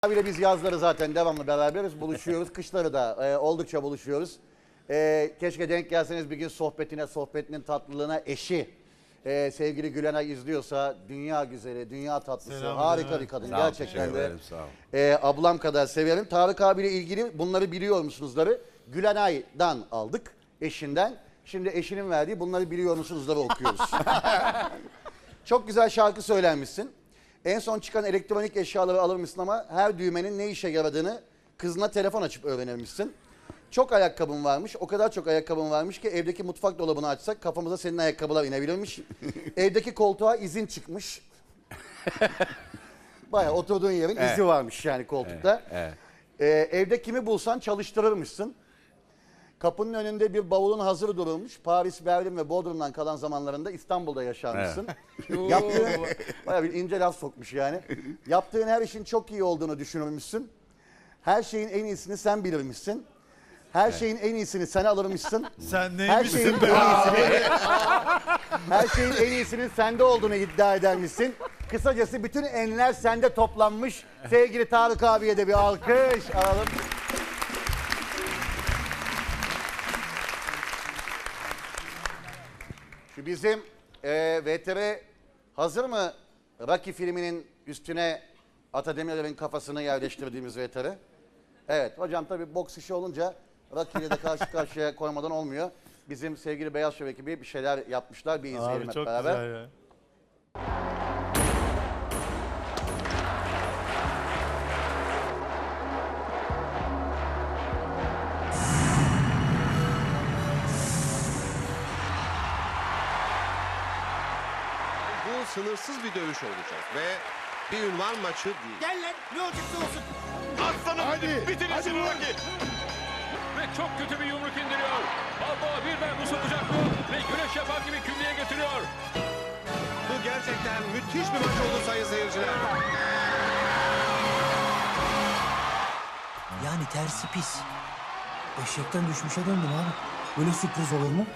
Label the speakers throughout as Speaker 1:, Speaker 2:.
Speaker 1: Abiyle biz yazları zaten devamlı beraberiz, buluşuyoruz. Kışları da oldukça buluşuyoruz. Keşke denk gelseniz bir gün sohbetinin tatlılığına eşi. Sevgili Gülenay izliyorsa dünya güzeli, dünya tatlısı,
Speaker 2: Selam
Speaker 1: harika
Speaker 2: ederim.
Speaker 1: bir kadın.
Speaker 3: Sağ ol,
Speaker 1: Gerçekten
Speaker 3: teşekkür
Speaker 1: de
Speaker 3: ederim, sağ ol.
Speaker 1: ablam kadar severim. Tarık abiyle ilgili bunları biliyor musunuzları? Gülenay'dan aldık, eşinden. Şimdi eşinin verdiği bunları biliyor musunuzları okuyoruz. Çok güzel şarkı söylenmişsin. En son çıkan elektronik eşyaları alır mısın ama her düğmenin ne işe yaradığını kızına telefon açıp öğrenirmişsin. Çok ayakkabın varmış. O kadar çok ayakkabın varmış ki evdeki mutfak dolabını açsak kafamıza senin ayakkabılar inebilirmiş. Evdeki koltuğa izin çıkmış. Bayağı oturduğun yerin izi varmış yani koltukta.
Speaker 3: Evet.
Speaker 1: Evde kimi bulsan çalıştırırmışsın. Kapının önünde bir bavulun hazır durulmuş. Paris, Berlin ve Bodrum'dan kalan zamanlarında İstanbul'da yaşarmışsın. Yaptığın, bayağı bir ince laf sokmuş yani. Yaptığın her işin çok iyi olduğunu düşünürmüşsün. Her şeyin en iyisini sen bilirmişsin. Her şeyin en iyisini sen alırmışsın.
Speaker 2: Sen
Speaker 1: Her şeyin
Speaker 2: neymişsin
Speaker 1: en
Speaker 2: be?
Speaker 1: iyisini, her şeyin en iyisinin sende olduğunu iddia edermişsin. Kısacası bütün enler sende toplanmış. Sevgili Tarık abiye de bir alkış alalım. Şu bizim VTR hazır mı? Rocky filminin üstüne Atademir'in kafasını yerleştirdiğimiz VTR. Evet hocam tabii boks işi olunca Rocky'yle de karşı karşıya koymadan olmuyor. Bizim sevgili Beyaz Şov ekibi bir şeyler yapmışlar. Bir izleyelim
Speaker 2: Abi
Speaker 1: hep
Speaker 2: çok
Speaker 1: beraber.
Speaker 2: güzel ya.
Speaker 4: Bu sınırsız bir dövüş olacak ve bir ünvan maçı değil.
Speaker 5: Gel lan ne olacaksa olsun.
Speaker 6: Aslanım benim. Bitirin şunu Rocky. Ve çok kötü bir yumruk indiriyor. Balboa birden bu sokacak mı? Ve güreş yapar gibi kündeye getiriyor.
Speaker 4: Bu gerçekten müthiş bir maç oldu sayın seyirciler.
Speaker 5: Yani tersi pis. Eşekten düşmüşe döndüm abi. Böyle sürpriz olur mu?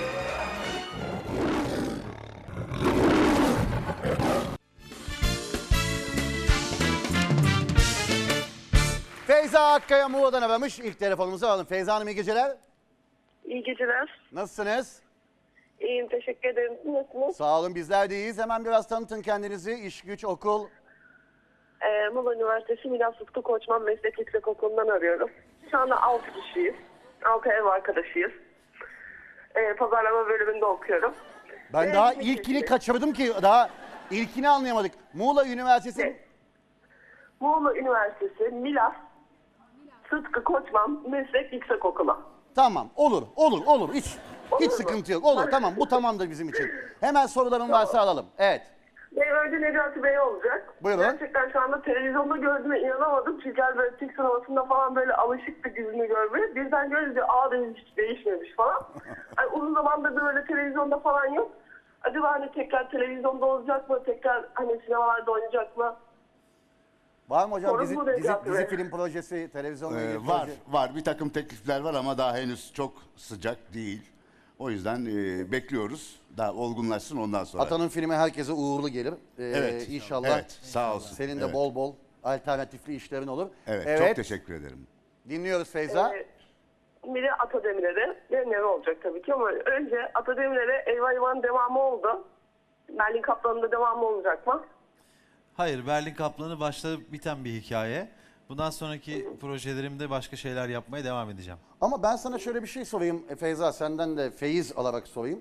Speaker 1: Feyza Akkaya Muğla'dan aramış. İlk telefonumuzu alalım. Feyza Hanım iyi geceler.
Speaker 7: İyi geceler.
Speaker 1: Nasılsınız?
Speaker 7: İyiyim, teşekkür ederim. Siz nasılsınız?
Speaker 1: Sağ olun bizler de iyiyiz. Hemen biraz tanıtın kendinizi. İş, güç, okul.
Speaker 7: Muğla Üniversitesi Milas Sıtkı Koçman Meslek Yüksekokulu'ndan arıyorum. Şu anda 6 kişiyiz. 6 ev arkadaşıyız. Pazarlama bölümünde okuyorum.
Speaker 1: Ben daha ilkini kaçırdım ki daha ilkini anlayamadık. Muğla Üniversitesi...
Speaker 7: Evet. Muğla Üniversitesi Milas Sıtkı Koçman Meslek Yüksekokulu.
Speaker 1: Tamam olur hiç
Speaker 7: Olur mu?
Speaker 1: sıkıntı yok. Olur tamam bu tamamdır bizim için. Hemen soruların varsa alalım. Evet.
Speaker 7: Benim önce Necati Bey olacak.
Speaker 1: Buyurun.
Speaker 7: Gerçekten şu anda televizyonda gördüğüme inanamadım. Çünkü böyle Türk sinemasında falan böyle alışıktı yüzünü görmeye. Birden görünce dedim hiç değişmemiş falan. Hani uzun zamandır da böyle televizyonda falan yok. Acaba hani tekrar televizyonda olacak mı? Tekrar hani sinemalarda oynayacak mı?
Speaker 1: Var mı hocam
Speaker 7: Sorun
Speaker 1: dizi,
Speaker 7: bu Necati
Speaker 1: dizi
Speaker 7: Bey.
Speaker 1: film projesi, televizyonla ilgili
Speaker 3: Var,
Speaker 1: proje?
Speaker 3: var. Bir takım teklifler var ama daha henüz çok sıcak değil. O yüzden bekliyoruz. Daha olgunlaşsın ondan sonra.
Speaker 1: Atanın filmi herkese uğurlu gelir.
Speaker 3: Evet.
Speaker 1: İnşallah.
Speaker 3: Evet, sağ olsun.
Speaker 1: Senin de
Speaker 3: Evet.
Speaker 1: bol bol alternatifli işlerin olur.
Speaker 3: Evet, çok teşekkür ederim.
Speaker 1: Dinliyoruz Feyza.
Speaker 7: Biri Atademir'e ve Neve olacak tabii ki ama önce Atademir'e Eyvah Eyvah'ın devamı oldu. Berlin Kaplanı'nda devamı olacak mı?
Speaker 2: Hayır, Berlin Kaplanı başlayıp biten bir hikaye. Bundan sonraki projelerimde başka şeyler yapmaya devam edeceğim.
Speaker 1: Ama ben sana şöyle bir şey sorayım Feyza, senden de feyiz alarak sorayım.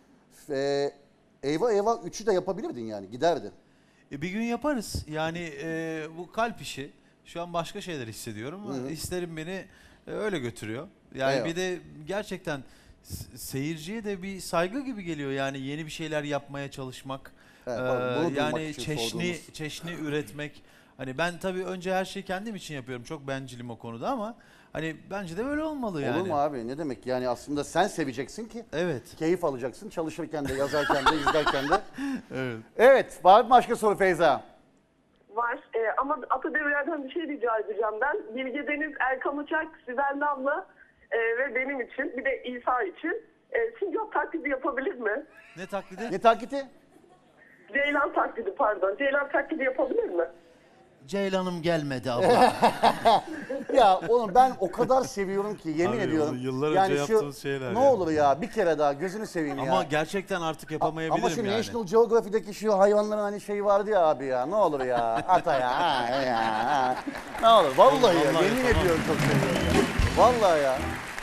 Speaker 1: Eyvah Eyvah 3'ü de yapabilirdin yani, giderdi.
Speaker 2: Bir gün yaparız. Yani bu kalp işi. Şu an başka şeyler hissediyorum ama hislerim beni öyle götürüyor. Yani
Speaker 1: Eyvallah.
Speaker 2: bir de gerçekten seyirciye de bir saygı gibi geliyor. Yani yeni bir şeyler yapmaya çalışmak.
Speaker 1: Evet, bunu duymak
Speaker 2: Yani
Speaker 1: için
Speaker 2: çeşni
Speaker 1: sorduğumuz.
Speaker 2: üretmek. Hani ben tabii önce her şeyi kendim için yapıyorum. Çok bencilim o konuda ama hani bence de böyle olmalı yani.
Speaker 1: Olur mu abi? Ne demek? Yani aslında sen seveceksin ki
Speaker 2: Evet.
Speaker 1: keyif alacaksın. Çalışırken de, yazarken de, izlerken de.
Speaker 2: Evet.
Speaker 1: Evet. Var mı başka soru Feyza?
Speaker 7: Var ama Atademir'den bir şey rica edeceğim ben. Bilge Deniz, Erkan Uçak, Sibel Damla ve benim için bir de İsa için sincap taklidi yapabilir mi?
Speaker 2: Ne taklidi?
Speaker 1: Ne taklidi?
Speaker 7: Ceylan taklidi pardon. Ceylan taklidi yapabilir mi?
Speaker 2: Ceylan'ım gelmedi abla.
Speaker 1: Ya oğlum ben o kadar seviyorum ki yemin
Speaker 2: Abi,
Speaker 1: ediyorum.
Speaker 2: onu yıllar önce yaptığımız şeyler
Speaker 1: ne
Speaker 2: ya.
Speaker 1: olur ya bir kere daha gözünü seveyim ya.
Speaker 2: Ama gerçekten artık yapamayabilirim
Speaker 1: Ama şu
Speaker 2: yani.
Speaker 1: National Geographic'deki şu hayvanların hani şeyi vardı ya abi ya. Ne olur ya. Ata ya. Ha, ya. Ne olur. Vallahi ya.
Speaker 2: Vallahi
Speaker 1: Yemin
Speaker 2: tamam.
Speaker 1: ediyorum çok seviyorum ya. Vallahi ya.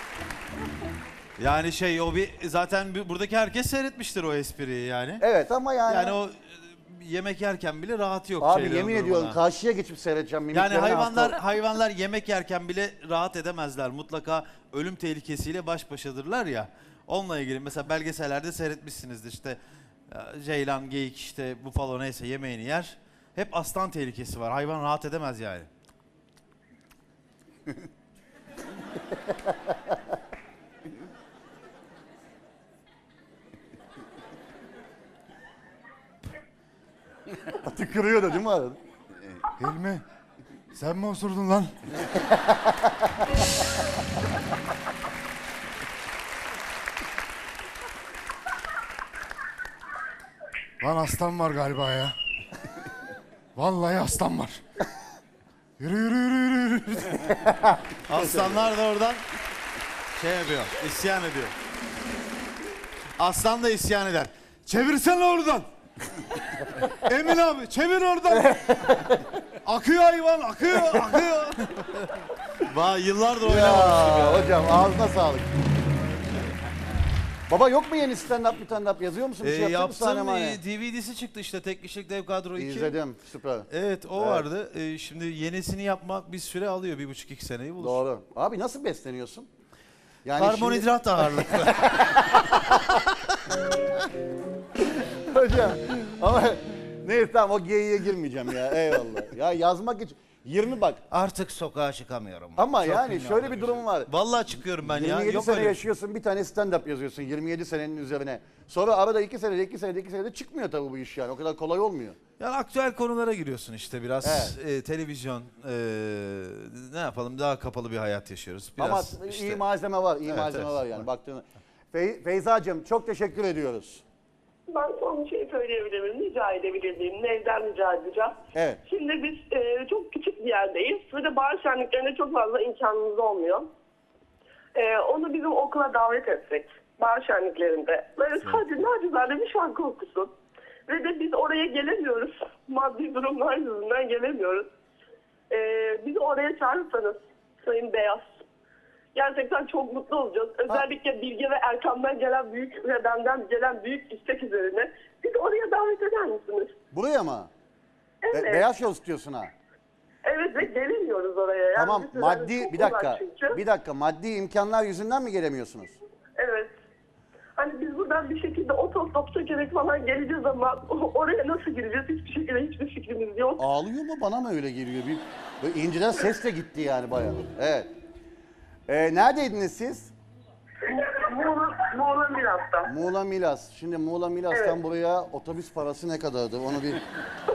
Speaker 2: Yani şey o bir zaten buradaki herkes seyretmiştir o espriyi yani.
Speaker 1: Evet ama yani.
Speaker 2: Yani o yemek yerken bile rahat yok.
Speaker 1: Abi
Speaker 2: şeylerin
Speaker 1: yemin
Speaker 2: durumuna.
Speaker 1: ediyorum karşıya geçip seyredeceğim.
Speaker 2: Yani
Speaker 1: mimiklerine
Speaker 2: hayvanlar yemek yerken bile rahat edemezler. Mutlaka ölüm tehlikesiyle baş başadırlar ya. Onunla ilgili mesela belgesellerde seyretmişsinizdir işte ceylan, geyik işte bufalo neyse yemeğini yer. Hep aslan tehlikesi var. Hayvan rahat edemez yani.
Speaker 1: Tükürüyor da değil mi arada?
Speaker 3: Hilmi sen mi osurdun lan? Lan aslan var galiba ya. Vallahi aslan var. Yürü yürü yürü yürü. Yürü.
Speaker 2: Aslanlar da oradan şey yapıyor, isyan ediyor. Aslan da isyan eder.
Speaker 3: Çevirsene oradan. Emin abi çevir oradan. Akıyor hayvan akıyor akıyor.
Speaker 2: Yıllardır oynamamış gibi.
Speaker 1: Ya hocam ağzına sağlık. Baba yok mu yeni stand-up yazıyor musun? Bir şey yapacak mısın
Speaker 2: Yaptım,
Speaker 1: Sanemane?
Speaker 2: DVD'si çıktı işte Tek Kişilik Dev Kadro 2.
Speaker 1: İzledim süper.
Speaker 2: Evet o vardı. Şimdi yenisini yapmak bir süre alıyor. 1,5-2 seneyi bulur.
Speaker 1: Doğru. Abi nasıl besleniyorsun? Yani
Speaker 2: Karbonhidrat ağırlıklı.
Speaker 1: şimdi- Hocam ama neyse tamam o geyiğe girmeyeceğim ya eyvallah. Ya yazmak için 20 bak
Speaker 2: Artık sokağa çıkamıyorum.
Speaker 1: ama
Speaker 2: Çok
Speaker 1: yani
Speaker 2: ünlü
Speaker 1: şöyle
Speaker 2: oldum
Speaker 1: bir durum var.
Speaker 2: Vallahi çıkıyorum ben ya.
Speaker 1: 27
Speaker 2: Yok
Speaker 1: sene
Speaker 2: öyle bir şey.
Speaker 1: yaşıyorsun bir tane stand-up yazıyorsun 27 senenin üzerine. Sonra arada 2 senede çıkmıyor tabii bu iş yani o kadar kolay olmuyor.
Speaker 2: Yani aktüel konulara giriyorsun işte biraz. Televizyon, ne yapalım daha kapalı bir hayat yaşıyoruz. Biraz
Speaker 1: Ama
Speaker 2: işte.
Speaker 1: iyi malzeme var, iyi
Speaker 2: Evet,
Speaker 1: malzeme
Speaker 2: evet,
Speaker 1: var yani
Speaker 2: var.
Speaker 1: baktığında. Feyzacığım çok teşekkür ediyoruz.
Speaker 7: Ben son bir şey söyleyebilir miyim? Rica edebilir miyim? Nevden rica edeceğim.
Speaker 1: Evet.
Speaker 7: Şimdi biz çok küçük bir yerdeyiz. Ve de bahar şenliklerinde çok fazla imkanımız olmuyor. Onu bizim okula davet etsek. Bahar şenliklerinde. Böyle sadece nacizane bir şarkı okusun. Ve de biz oraya gelemiyoruz. Maddi durumlar yüzünden gelemiyoruz. Bizi oraya çağırırsanız Sayın Beyaz. Gerçekten çok mutlu olacağız. Özellikle Bilge ve Erkan'dan gelen büyük ve benden gelen büyük istek üzerine. Bizi oraya davet eder misiniz?
Speaker 1: Buraya mı?
Speaker 7: Evet.
Speaker 1: Beyaz Show istiyorsun ha.
Speaker 7: Evet ve gelemiyoruz oraya. Yani
Speaker 1: Tamam
Speaker 7: biz
Speaker 1: maddi
Speaker 7: çok
Speaker 1: bir dakika.
Speaker 7: uzak çünkü.
Speaker 1: Bir dakika maddi imkanlar yüzünden mi gelemiyorsunuz?
Speaker 7: Evet. Hani biz buradan bir şekilde otostop çekerek falan geleceğiz ama oraya nasıl gireceğiz hiçbir şekilde hiçbir fikrimiz yok.
Speaker 1: Ağlıyor mu bana mı öyle geliyor? Böyle inceden ses de gitti yani bayağı. Evet. Neredeydiniz siz?
Speaker 7: Muğla Milas'ta.
Speaker 1: Muğla Milas. Şimdi Muğla Milas'tan
Speaker 7: Evet.
Speaker 1: buraya otobüs parası ne kadardı? Onu bir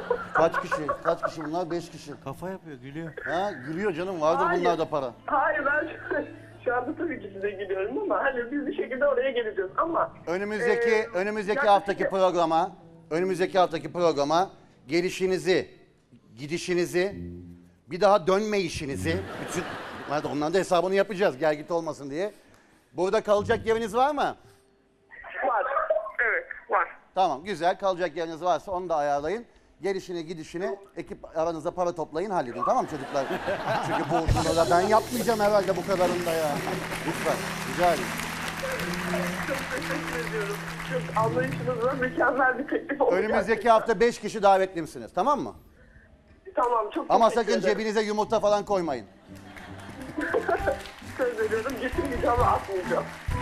Speaker 1: kaç kişi bunlar? 5 kişi.
Speaker 2: Kafa yapıyor, gülüyor.
Speaker 1: Ha gülüyor canım vardır
Speaker 7: Hayır.
Speaker 1: bunlarda para.
Speaker 7: Hayır ben şu anda tabii ki size gülüyorum ama hani biz bir şekilde oraya geleceğiz ama
Speaker 1: Önümüzdeki haftaki programa gelişinizi, gidişinizi, bir daha dönmeyişinizi, bütün onların da hesabını yapacağız gel git olmasın diye. Burada kalacak yeriniz var mı?
Speaker 7: var. Evet var.
Speaker 1: Tamam güzel kalacak yeriniz varsa onu da ayarlayın. Gelişini gidişini ekip aranızda para toplayın halledin tamam mı çocuklar? Çünkü bu da ben yapmayacağım herhalde bu kadarını da ya. Lütfen rica ederim.
Speaker 7: Çok teşekkür ediyorum. Çok anlayışınızla mükemmel bir teklif oldu.
Speaker 1: Önümüzdeki hafta 5 kişi davetli misiniz tamam mı?
Speaker 7: Tamam çok
Speaker 1: Ama
Speaker 7: teşekkür
Speaker 1: sakın
Speaker 7: ederim.
Speaker 1: cebinize yumurta falan koymayın.
Speaker 7: Söz veriyorum getirmeyeceğim ve atmayacağım.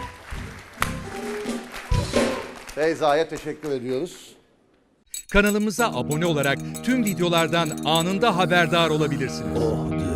Speaker 1: Feyza'ya teşekkür ediyoruz.
Speaker 8: Kanalımıza abone olarak tüm videolardan anında haberdar olabilirsiniz.